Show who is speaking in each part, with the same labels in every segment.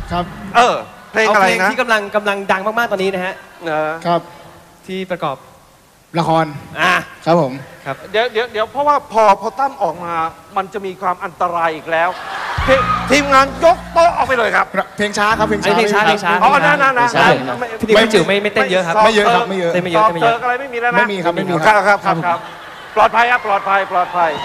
Speaker 1: ครับ
Speaker 2: เพลงอะไรนะ
Speaker 3: เพลงที่กำลังดังมากๆตอนนี้นะฮะ
Speaker 1: ครับ
Speaker 3: ที่ประกอบ
Speaker 1: ละครครับผม
Speaker 2: ครับเดี๋ยวเพราะว่าพอตั้มออกมามันจะมีความอันตรายอีกแล้วทีมงานยกโต๊ะออกไปเลยครับ
Speaker 1: เพลงช้าครับเพลงช้า
Speaker 2: อ๋อนะ
Speaker 3: พี่จิ๋วไม่เต้นเยอะครับ
Speaker 1: ไม่เยอะครับไม่เยอะ
Speaker 3: เต้นไม่เยอะ
Speaker 2: อะไรไม่มีแล้วนะ
Speaker 1: ไม่มีครับ
Speaker 2: ครับปลอดภัยครับปลอดภัย
Speaker 3: เพ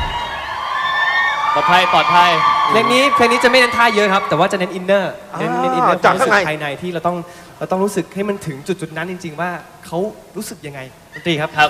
Speaker 3: ลงนี้จะไม่เน้นท่าเยอะครับแต่ว่าจะเน้นอินเนอร์เน้นอินเนอร์ความรู้สึกภายในที่เราต้องรู้สึกให้มันถึงจุดนั้นจริงๆว่าเขารู้สึกยังไงดนตรีครับ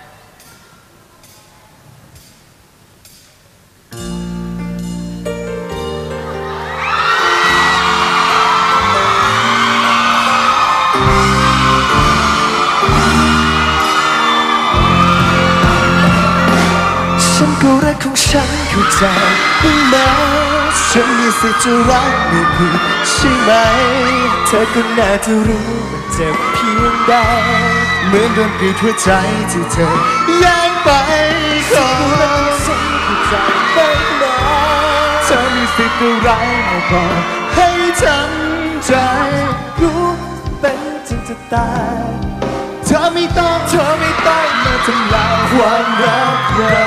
Speaker 4: ก็รักของฉันเข้าใจบ้างไหมฉันมีสิทธิ์จะรักไม่ผิดใช่ไหมเธอก็น่าจะรู้ว่าเจ็บเพียงใดเหมือนโดนกรีดหัวใจที่เธอแย่งไปขอรักของฉันเข้าใจบ้างไหมเธอมีสิทธิ์อะไรมาบอกให้ทำใจรู้เป็นจริงจะตายเธอไม่ต้องมาทำลายความรักเรา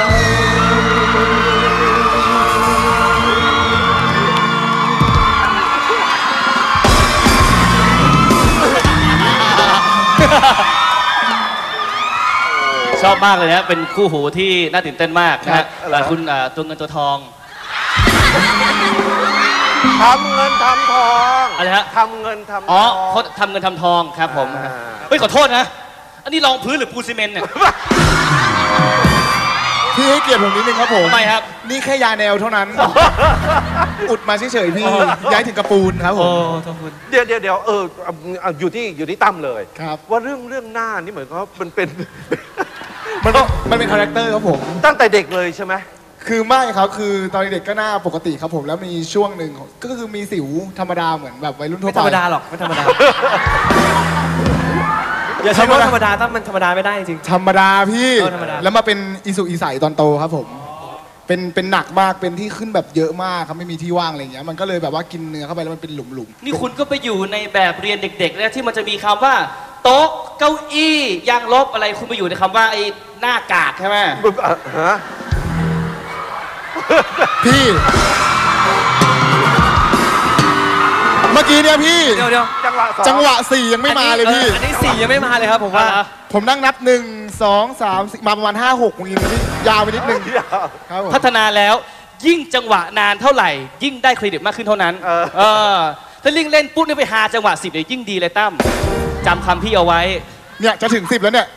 Speaker 5: ชอบมากเลยนะเป็นคู่หูที่น่าตื่นเต้นมากนะฮะคุณตัวเงินตัวทอง
Speaker 2: ทำเงินทำทอง
Speaker 5: อะไรฮะ
Speaker 2: ทำเงินทำทอง
Speaker 5: อ๋อเขาทำเงินทำทองครับผมเฮ้ยขอโทษนะอันนี้รองพื้นหรือปูนซีเมนต์เนี่ย
Speaker 1: พี่ให้เกียรติผมนิดนึงครับผม
Speaker 5: ทำไมครับ
Speaker 1: นี่แค่ยาแนวเท่านั้นอุดมาเฉยๆพี่ย้ายถึงกระปูนครับผม
Speaker 2: เดี๋ยวอยู่ที่ตั้มเลยว่าเรื่องหน้านี่เหมือนกับมัน
Speaker 1: เป็นคาแรคเตอร์ครับผม
Speaker 2: ตั้งแต่เด็กเลยใช่ไหม
Speaker 1: คือไม่ครับคือตอนเด็กก็หน้าปกติครับผมแล้วมีช่วงหนึ่งก็คือมีสิวธรรมดาเหมือนแบบวัยรุ่นทั่วไป
Speaker 3: ไม่ธรรมดาหรอกไม่ธรรมดาอย่าใช้ว่าธรรมดาตั้งมันธรรมดาไม่ได้จริง
Speaker 1: ธรรมดาพี่แล้วมาเป็นอิสุอิสัยตอนโตครับผมเป็นหนักมากเป็นที่ขึ้นแบบเยอะมากครับไม่มีที่ว่างอะไรอย่างเงี้ยมันก็เลยแบบว่ากินเนื้อเข้าไปแล้วมันเป็นหลุมๆ
Speaker 5: นี่คุณก็ไปอยู่ในแบบเรียนเด็กๆแล้วที่มันจะมีคำว่าโต๊ะเก้าอี้ยางลบอะไรคุณไปอยู่ในคำว่าไอ้หน้ากากใช่ไหม
Speaker 1: พี่เมื่อกี้เนี่ยพี่
Speaker 3: เดี๋ยว
Speaker 1: จังหวะ4ยังไม่มาเลยพี่
Speaker 3: อันนี้4ยังไม่มาเลยครับผมว่า
Speaker 1: ผมนั่งนับ1 2 3 4มาประมาณ5 6อย่างนี้ยาวไปนิดนึง
Speaker 5: พัฒนาแล้วยิ่งจังหวะนานเท่าไหร่ยิ่งได้เครดิตมากขึ้นเท่านั้นถ้าลิงเล่นปุ๊บเนี่ยไปหาจังหวะ10เนี่ยยิ่งดีเลยตั้มจำคำพี่เอาไว้
Speaker 1: เนี่ยจะถึง10แล้วเนี่ย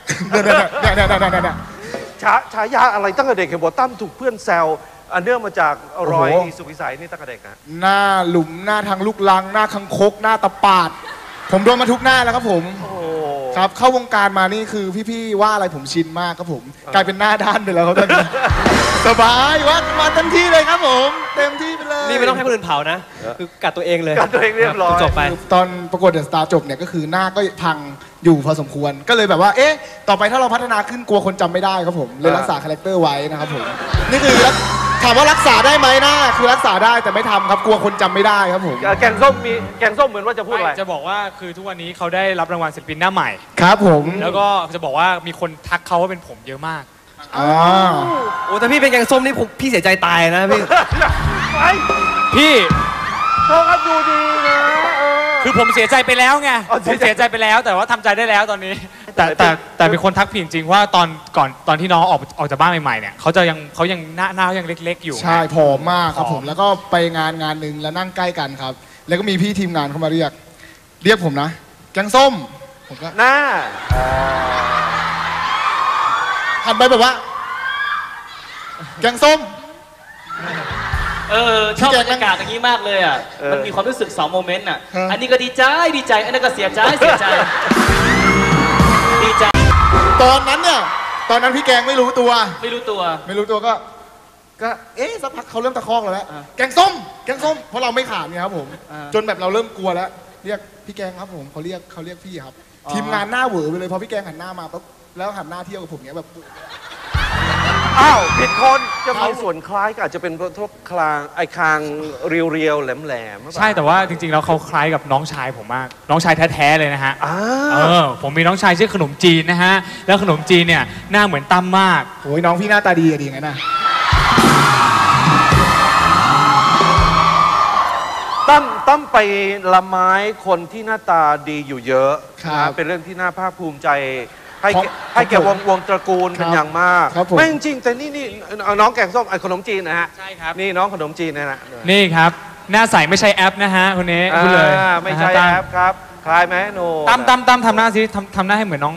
Speaker 2: ฉายาอะไรตั้งแต่เด็กเห็นบอกตั้มถูกเพื่อนแซวเนื่องมาจากรอยสุวิสัยนี่ตั้งแต่เด็กนะ
Speaker 1: หน้าหลุมหน้าทางลูกลังหน้าคังคกหน้าตะปาดผมโดนมาทุกหน้าแล้วครับผมครับเข้าวงการมานี่คือพี่ๆว่าอะไรผมชินมากครับผมกลายเป็นหน้าด้านไปแล้วครับตอนนี้สบายว่ามาเต็มที่เลยครับผมเต็มที่ไปเลย
Speaker 3: นี่ไม่ต้องให้คนอื่นเผานะคือกัดตัวเองเลย
Speaker 2: กัดตัวเองเรียบร้อย
Speaker 3: จบไป
Speaker 1: ตอนประกวดเดอะสตาร์จบเนี่ยก็คือหน้าก็พังอยู่พอสมควรก็เลยแบบว่าต่อไปถ้าเราพัฒนาขึ้นกลัวคนจำไม่ได้ครับผมเลยรักษาคาแรคเตอร์ไว้นะครับผมนี่คือถามว่ารักษาได้ไหมนะคือรักษาได้แต่ไม่ทำครับกลัวคนจำไม่ได้ครับผม
Speaker 2: แกงส้มเหมือนว่าจะพูดอะไร
Speaker 6: จะบอกว่าคือทุกวันนี้เขาได้รับรางวัลศิลปินหน้าใหม่
Speaker 1: ครับผม
Speaker 6: แล้วก็จะบอกว่ามีคนทักเขาว่าเป็นผมเยอะมาก
Speaker 3: โอ้แต่พี่เป็นแกงส้มนี่พี่เสียใจตายนะ
Speaker 6: พี่
Speaker 2: เขาก็ดูดีนะ
Speaker 6: คือผมเสียใจไปแล้วไงผมเสียใจไปแล้วแต่ว่าทำใจได้แล้วตอนนี้แต่มีคนทักผิดจริงว่าตอนที่น้องออกจากบ้านใหม่ๆเนี่ยเขายังหน้ายังเล็กๆอยู่
Speaker 1: ใช่ผอมมากครับผมแล้วก็ไปงานหนึ่งแล้วนั่งใกล้กันครับแล้วก็มีพี่ทีมงานเข้ามาเรียกผมนะแกงส้มผมก็
Speaker 2: หน้า
Speaker 1: หันไปแบบว่าแกงส้ม
Speaker 5: ชอบบรรยากาศอย่างนี้มากเลยอ่ะมันมีความรู้สึก2โมเมนต์อ่ะอันนี้ก็ดีใจอันนั้นก็เสียใจดีใจ
Speaker 1: ตอนนั้นพี่แกงไม่รู้ตัวก็สักพักเขาเริ่มตะคอกแล้วแกงส้มเพราะเราไม่ขาดไงครับผมจนแบบเราเริ่มกลัวแล้วเรียกพี่แกงครับผมเขาเรียกพี่ครับทีมงานหน้าเหวอไปเลยพอพี่แกงหันหน้ามาปุ๊บแล้วหันหน้าเที่ยวกับผมเนี้ยแบบ
Speaker 2: อ้าวผิดคนจะมีส่วนคล้ายก็อาจจะเป็นพวกคางคางเรียวๆแหลมๆ
Speaker 6: ใช่แต่ว่าจริงๆแล้วเขาคล้ายกับน้องชายผมมากน้องชายแท้ๆเลยนะฮะผมมีน้องชายชื่อขนมจีนนะฮะแล้วขนมจีนเนี่ยหน้าเหมือนตั้มมาก
Speaker 1: โอ้ยน้องพี่หน้าตาดีอะดีงั้นนะ
Speaker 2: ตั้มไปละไม้คนที่หน้าตาดีอยู่เยอะนะเป็นเรื่องที่น่าภาคภูมิใจให้แก่วงตระกูลเป็นอย่างมากไม่จริงแต่นี่น้องแกงส้มขนมจีนนะฮะใช่ครับนี่น้องขนมจีนนะฮะ
Speaker 6: นี่ครับหน้าใสไม่ใช่แอปนะฮะคนนี้พูดเลย
Speaker 2: ไม่ใช่แอปครับคล้ายไหมโน
Speaker 6: ตั้มทำหน้าสิทำหน้าให้เหมือนน้อง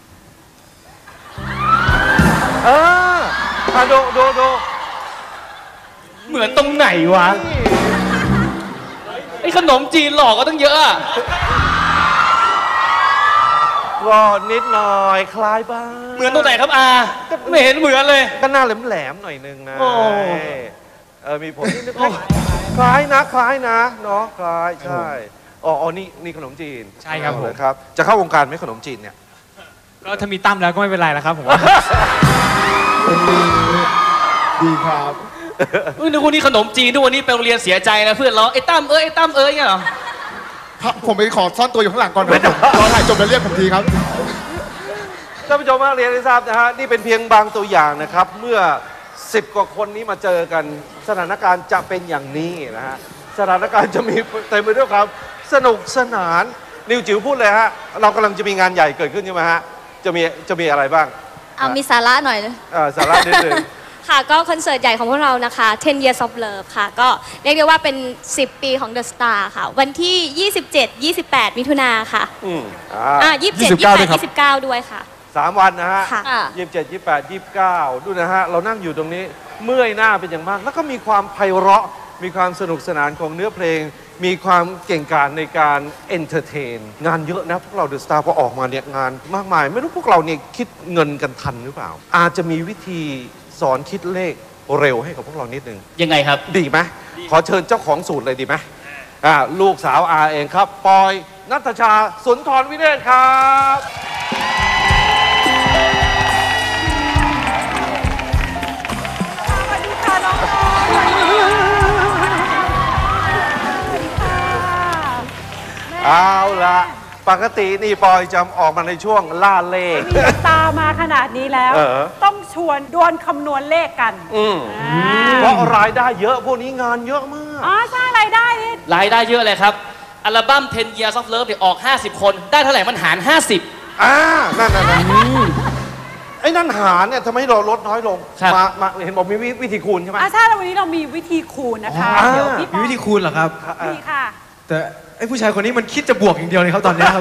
Speaker 2: ดู
Speaker 5: เหมือนตรงไหนวะไอ้ขนมจีนหลอกก็ตั้งเยอะ
Speaker 2: ก็นิดหน่อยคล้ายบ้าง
Speaker 5: เหมือนตรงไหนครับอาไม่เห็นเหมือนเลย
Speaker 2: ก็หน้าแหลมๆหน่อยนึงนะมีผมนิดนึงคล้ายนะเนาะคล้ายใช่อ๋อนี่ขนมจีน
Speaker 6: ใช่ครับผม
Speaker 2: ครับจะเข้าวงการไหมขนมจีนเนี่ย
Speaker 6: ก็ถ้ามีตั้มแล้วก็ไม่เป็นไรแล้วครับผมว่า
Speaker 1: ดีครับ
Speaker 5: นึกว่านี่ขนมจีนทุกวันนี้ไปโรงเรียนเสียใจนะเพื่อนร้องไอ้ตั้มเงี้ยเหรอ
Speaker 1: ผมไปขอซ่อนตัวอยู่ข้างหลังก่อนรอถ่ายจบแล้วเรียกผมทีครับ
Speaker 2: ท่านผู้ชมเรียนให้ทราบนะฮะนี่เป็นเพียงบางตัวอย่างนะครับเมื่อ10 กว่าคนนี้มาเจอกันสถานการณ์จะเป็นอย่างนี้นะฮะสถานการณ์จะมีเต็มไปด้วยความสนุกสนานนิวจิ๋วพูดเลยฮะเรากำลังจะมีงานใหญ่เกิดขึ้นใช่ไหมฮะจะมีอะไรบ้าง
Speaker 7: มีสาระหน่อย
Speaker 2: สาระนิดนึง
Speaker 7: ค่ะก็คอนเสิร์ตใหญ่ของพวกเรานะคะ10 Years of Love ค่ะก็เรียกได้ว่าเป็น10 ปีของ The Star ค่ะวันที่27-28 มิถุนาค่ะ27-28-29 ด้วยค่ะ
Speaker 2: 3 วันนะฮะ27 28 29ดูนะฮะเรานั่งอยู่ตรงนี้เมื่อยหน้าเป็นอย่างมากแล้วก็มีความไพเราะมีความสนุกสนานของเนื้อเพลงมีความเก่งกาจในการเอนเตอร์เทนงานเยอะนะพวกเรา The Star พอออกมาเนี่ยงานมากมายไม่รู้พวกเราเนี่ยคิดเงินกันทันหรือเปล่าอาจจะมีวิธีสอนคิดเลขเร็วให้กับพวกเรานิดนึง
Speaker 5: ยังไงครับ
Speaker 2: ดีไหมขอเชิญเจ้าของสูตรเลยดีไหมลูกสาวอาเองครับปอยณัฐชาสุนทรวิเนศครับ
Speaker 8: สวัสดีค่ะน้องปอย
Speaker 2: เอาละปกตินี่ปอยจะออกมาในช่วงล่าเลข
Speaker 8: มีตามาขนาดนี้แล้วต้องชวนดวลคำนวณเลขกัน
Speaker 2: เพราะรายได้เยอะพวกนี้งานเยอะมาก
Speaker 8: สร้างรายได้นี่
Speaker 5: รายได้เยอะเลยครับอัลบั้ม10 Years of Love เนี่ยออก50 คนได้เท่าไหร่มันหาร50
Speaker 2: นั่นไอ้นั่นหารเนี่ยทำไมเราลดน้อยลงมาเห็นบอกมีวิธีคูณใช่ไหม
Speaker 8: ใช่แล้ววันนี้เรามีวิธีคูณนะคะเดี๋ยวพี่
Speaker 3: มีวิธีคูณเหรอครับ
Speaker 8: มีค่ะ
Speaker 3: แต่ไอ้ผู้ชายคนนี้มันคิดจะบวกอย่างเดียวเลยครับตอนนี้ครับ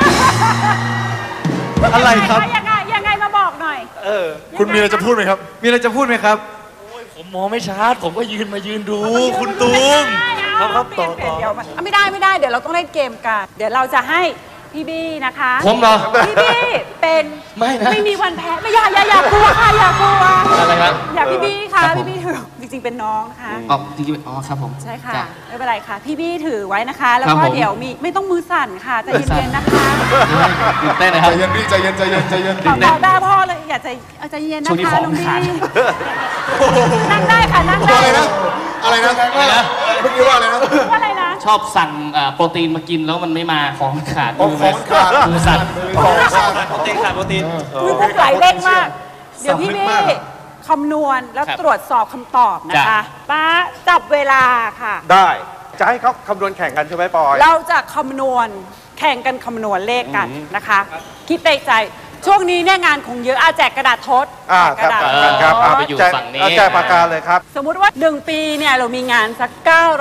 Speaker 3: อะไรครับ
Speaker 8: ยังไงมาบอกหน่อย
Speaker 3: คุณมีอะไรจะพูดไหมครับมีอะไรจะพูดไหมครับ
Speaker 5: ผมมองไม่ชัดผมก็มายืนดูคุณตูม
Speaker 8: ครับต่อไม่ได้เดี๋ยวเราต้องเล่นเกมกันเดี๋ยวเราจะให้พี่บี้นะคะ
Speaker 5: ผมเหรอ
Speaker 8: พี่บี้เป็นไม่มีวันแพ้ไม่อย่ากลัวค่ะอย่ากลัว
Speaker 5: อะไรครับ
Speaker 8: อย่าพี่บี้ค่ะพี่บี้ถือจริงๆเป็นน้องค่ะ
Speaker 5: จริงๆครับผม
Speaker 8: ใช่ค่ะไม่เป็นไรค่ะพี่บี้ถือไว้นะคะแล้วก็เดี๋ยวมีไม่ต้องมือสั่นค่ะใจเย็นๆนะคะ
Speaker 5: ได้เลยครับ
Speaker 1: ใจเย็นพี่ใจเย็น
Speaker 8: ขอได้พ่อเลยอย่าใจเย็นนะคะน้องบี้นั่งได้ค่ะนั่งได้
Speaker 1: อะไรนะเมื่อกี้ว่าอะไรนะ
Speaker 5: ชอบสั่งโปรตีนมากินแล้วมันไม่มาของขาด
Speaker 1: ของขาด
Speaker 5: มือสั่นโปรตีนขาดโปรตีน
Speaker 8: คือพวกไหลเร่งมากเดี๋ยวพี่บี้คำนวณแล้วตรวจสอบคำตอบนะคะป้าจับเวลาค่ะ
Speaker 2: ได้จะให้เขาคำนวณแข่งกันใช่ไหมปอย
Speaker 8: เราจะคำนวณแข่งกันคำนวณเลขกันนะคะคิดในใจช่วงนี้เนี่ยงานคงเยอะแจกกระดาษทด
Speaker 2: กระดาษครับไปอยู่ฝั่งนี้แจกปากกาเลยครับ
Speaker 8: สมมุติว่า1 ปีเนี่ยเรามีงานสัก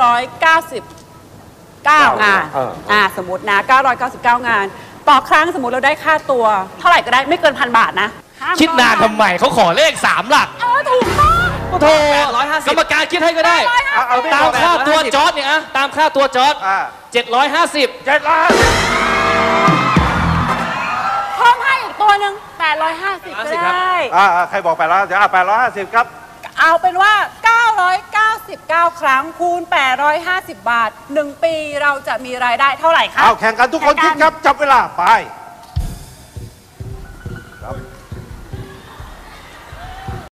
Speaker 8: 999 งานสมมตินะ999 งานต่อครั้งสมมติเราได้ค่าตัวเท่าไหร่ก็ได้ไม่เกิน1,000 บาทนะ
Speaker 5: คิดนานทำไมเขาขอเลข3 หลัก
Speaker 8: ถูกต้อง
Speaker 5: โทรกรรมการคิดให้ก็ได้ตามค่าตัวจอร์จเนี่ยตามค่าตัวจอร์จ750
Speaker 8: เพิ่มให้อีกตัวหนึ่ง850ก็ได้
Speaker 2: ใครบอก800เดี๋ยว850ครับ
Speaker 8: เอาเป็นว่า999 ครั้งคูณ850 บาท1 ปีเราจะมีรายได้เท่าไหร่ครับ
Speaker 2: แข่งกันทุกคนคิดครับจับเวลาไป